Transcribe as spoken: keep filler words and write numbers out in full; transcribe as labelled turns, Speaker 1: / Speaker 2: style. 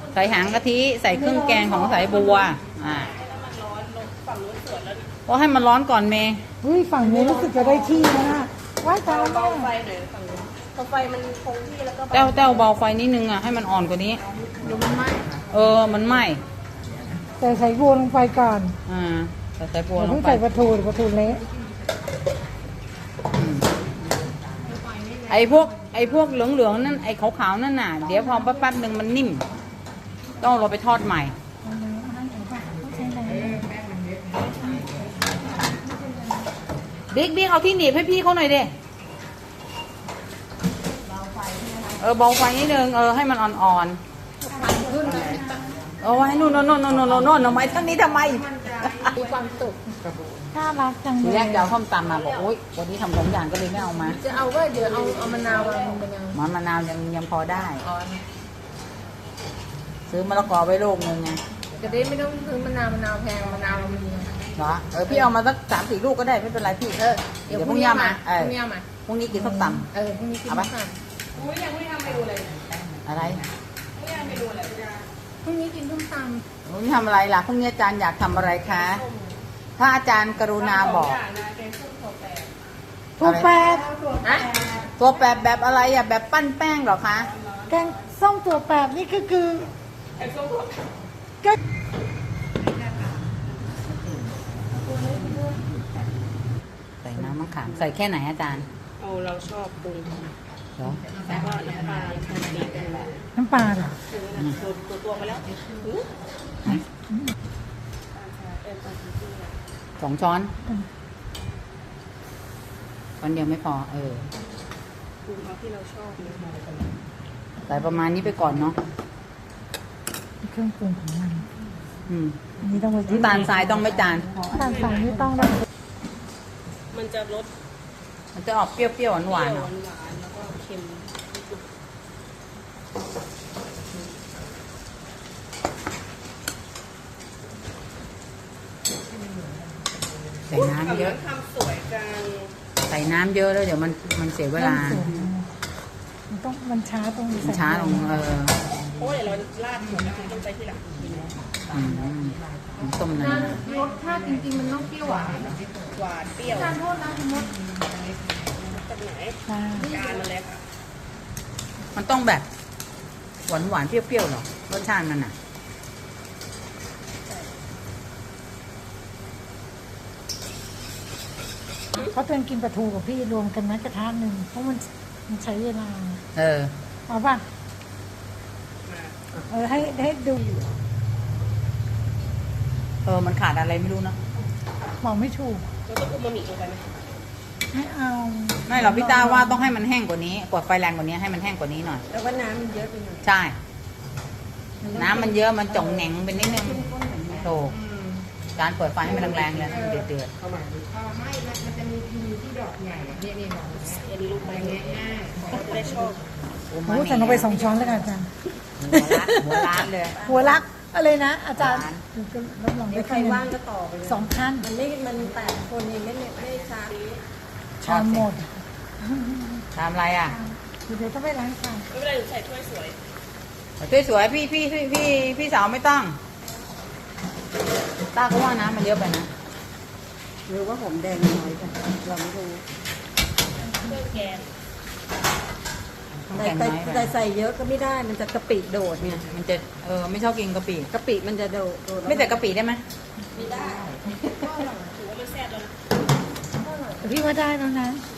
Speaker 1: ใส่หางกะทิใส่เครื่องแกงของสายบัวอ่าก็ให้มันร้อนก่อนเมย์
Speaker 2: เฮ้ยฝั่งนี้รู้สึกจะได้ที่นะน่ะว่ายตายแล้ว
Speaker 3: เบาไฟ
Speaker 2: แม่
Speaker 3: หน่อยฝั่งนู้นพอไฟมันคงที่แล้วก็
Speaker 1: แต้วแต้วเบาไฟนิดนึงอ่ะให้มันอ่อนกว่านี้
Speaker 3: ดูมันไหม้
Speaker 1: เออมันไหม้
Speaker 2: แต่ใส่บัวลงไปก่อน
Speaker 1: อ่าใส่สายบัว
Speaker 2: อย่า
Speaker 1: ล
Speaker 2: เพิ่
Speaker 1: ง
Speaker 2: ง
Speaker 1: ไป
Speaker 2: ใส่ปลาทูเดี๋ยวปลาทูเละ
Speaker 1: อืมไอ้พวกไอ้พวกเหลืองๆนั่นไอ้ขาวๆนั่นน่ะเดี๋ยวพอแป๊บๆหนึ่งมันนิ่ม ต้องเราไปทอดใหม่บิ๊กบิ๊กเอาที่หนีบให้พี่เขาหน่อยดิเออเบาไฟนิดนึงเออให้มันอ่อนๆเอาไว้นู่นนู่นนู่นนู่นนู่นนู่นทำไมทั้งนี้ทำไม
Speaker 3: มีความสุข
Speaker 2: น่ารักจัง
Speaker 1: ที
Speaker 2: เล
Speaker 1: แร
Speaker 2: ย
Speaker 1: กจะเอาส้มตำมาบอกโอ๊ยวันนี้ทำสองอย่างก็เลยไม่เอามา
Speaker 3: จะเอาก็เดี๋ยวเอาเอามะนาวมาลงไปยัง
Speaker 1: หมอนมะนาวยังยังพอได้
Speaker 3: อ๋อ
Speaker 1: ซื้อมะละกอไว้ลูกนึงไง
Speaker 3: จะได้ไม่ต้องซื้อมะนาวมะนาวแพงมะนาวเรามี
Speaker 1: เหรอเออพี่เอามาสักสามสี่ลูกก็ได้ไม่เป็นไรพี่
Speaker 3: เออ
Speaker 1: เดี๋ยวพรุ่งนี้เอามาเอ
Speaker 3: พ
Speaker 1: อ
Speaker 3: รุ่งนี้เอามา
Speaker 1: พรุ่งนี้กินส้มต
Speaker 3: เออพรุ่งนี้กิน
Speaker 1: เอาปะ
Speaker 3: ส้มตำอุ้ยยังไม่ทำเมนูเลย
Speaker 1: ำอะไร
Speaker 3: พรุ่งนี้กินส้มต
Speaker 1: พรุ่งนี้ทำอะไรล่ะพรุ่งนี้อาจารย์อยากทำอะไรคะถ้าอาจารย์กรุณาบอก
Speaker 2: ทูแปด
Speaker 3: ำฮะ
Speaker 1: ตัวแบบแบบอะไรอ่ะแบบปั้นแป้งเหรอคะ
Speaker 2: แกงส้มตัวแปดนี่ก็คือก็
Speaker 1: ใส่น้ำมะขามใส่แค่ไหนอาจารย์
Speaker 3: เอาเราชอบปรุง
Speaker 1: เหรอ
Speaker 3: แล้วก็น้ำปลาน้ำปลาดีกันแบบ
Speaker 2: น้ำปลาเหรอ
Speaker 3: ตัวตัวตัวมาแล้ว
Speaker 1: สองช้อนช้อนเดียวไม่พอเออ
Speaker 3: ปรุงเอาที่เราชอบ
Speaker 1: ใส่ประมาณนี้ไปก่อนเนาะ
Speaker 2: เครื่องปรุงของมัน
Speaker 1: อืม
Speaker 2: อันนี้ต้องไป
Speaker 1: น้ำตาลทรายต้องไหม่จาน
Speaker 2: น้ำตาลทรายนี่ต้องได้
Speaker 3: มันจะรส
Speaker 1: มันจะออกเปรี้ยวๆหวานๆ
Speaker 3: ห
Speaker 1: เนาะ
Speaker 3: วานๆแล้วก็เค็ม
Speaker 1: ใส่น้ำเยอะ
Speaker 3: ทำสวยจัง
Speaker 1: ใส่น้ำเยอะแล้วเดี๋ยวมันมันเสียเวลา
Speaker 2: มันต้องมันช้าตรงนี้
Speaker 1: มันช้าลงเออ
Speaker 3: โอ้ยเราลาดหมูนะต้องใช้ที่หลัง
Speaker 1: อืมต้มน้
Speaker 3: รสชาติจริงๆมันต้องเปรี้ยวหวานหวานเปรี้ยวทานโทษนะคุณมดจากไหน
Speaker 2: ช้า
Speaker 3: จานมาเลยค่ะ
Speaker 1: ำมันต้องแบบหวานหวานๆเปรี้ยวๆหรอรสชาติมันอ่ะ
Speaker 2: เขาเตือนกินปลาทูกับพี่รวมกันนะกระทะหนึ่งเพราะมันมันใช้เวลา
Speaker 1: เออ
Speaker 2: เอาป่ะเออให้ให้ดู
Speaker 1: เออมันขาดอะไรไม่รู้เนอะ
Speaker 2: บอกไม่ถูก
Speaker 3: เราต้องอุมามิลงไปไหม
Speaker 2: ให้เอา
Speaker 1: ไม่หรอกพี่ตาว่าต้องให้มันแห้งกว่านี้กดไฟแรงกว่านี้ให้มันแห้งกว่านี้หน่อย
Speaker 3: แล้วก็น้ำมันเยอะไปหน่อย
Speaker 1: ใช่ น้ำมันเยอะมันจ่องแหน่งไปนิดนึงโถการเปิดไฟให้มันแรงๆเลยให้มันเดือด
Speaker 3: ไม่มันจะมีพีที่ดอกใหญ่เนี่ยเนี่ยอันนี้ลูกไม้ง่ายๆจะได้ชอบ
Speaker 1: ๆโอ้
Speaker 2: โอ้ใส่ลงไปสองช้อนแล้วกันอาจารย์
Speaker 1: หัวร้านหัวร้านเลย
Speaker 2: หัวรักอะไรนะ อาจารย์
Speaker 1: ร้าน
Speaker 2: รับรอง
Speaker 3: เดี๋
Speaker 2: ได้
Speaker 3: ยวใคร
Speaker 2: คะแน
Speaker 3: ว่าง
Speaker 2: น
Speaker 3: ก็ต่อไปเลย
Speaker 2: สองขั้น
Speaker 3: มันไม่มันแปดคนเองไม่ไม่ช้า
Speaker 2: ชามหมด
Speaker 1: ทำอะไรอ่ะ
Speaker 2: เดี๋ยวต้องไปล้างชาม
Speaker 3: ไม่เป็นไรหนูใส่ถ้วยสวย
Speaker 1: สวยๆพี่พี่พี่พี่พี่สาวไม่ต้องตาก็ว่าน้ำมันเยอะไปนะ
Speaker 3: หรือว่าหอมแดงน้อยกันเราไม่รู้เครื่องแกง
Speaker 1: แกง
Speaker 3: แต่
Speaker 1: น้อยไป
Speaker 3: แต่ใส่เยอะก็ไม่ได้มันจะกะปิโดดเนี่ย
Speaker 1: มันจะเออไม่ชอบกินกะปิ
Speaker 3: กะปิมันจะโดดโดด
Speaker 1: ไม่แต่กะปิได้ไหม
Speaker 3: ไม่ได้ถือว่ามันแซ่บแล้วนะ
Speaker 2: แต่พี่ว่าได้แล้วนะ
Speaker 3: อ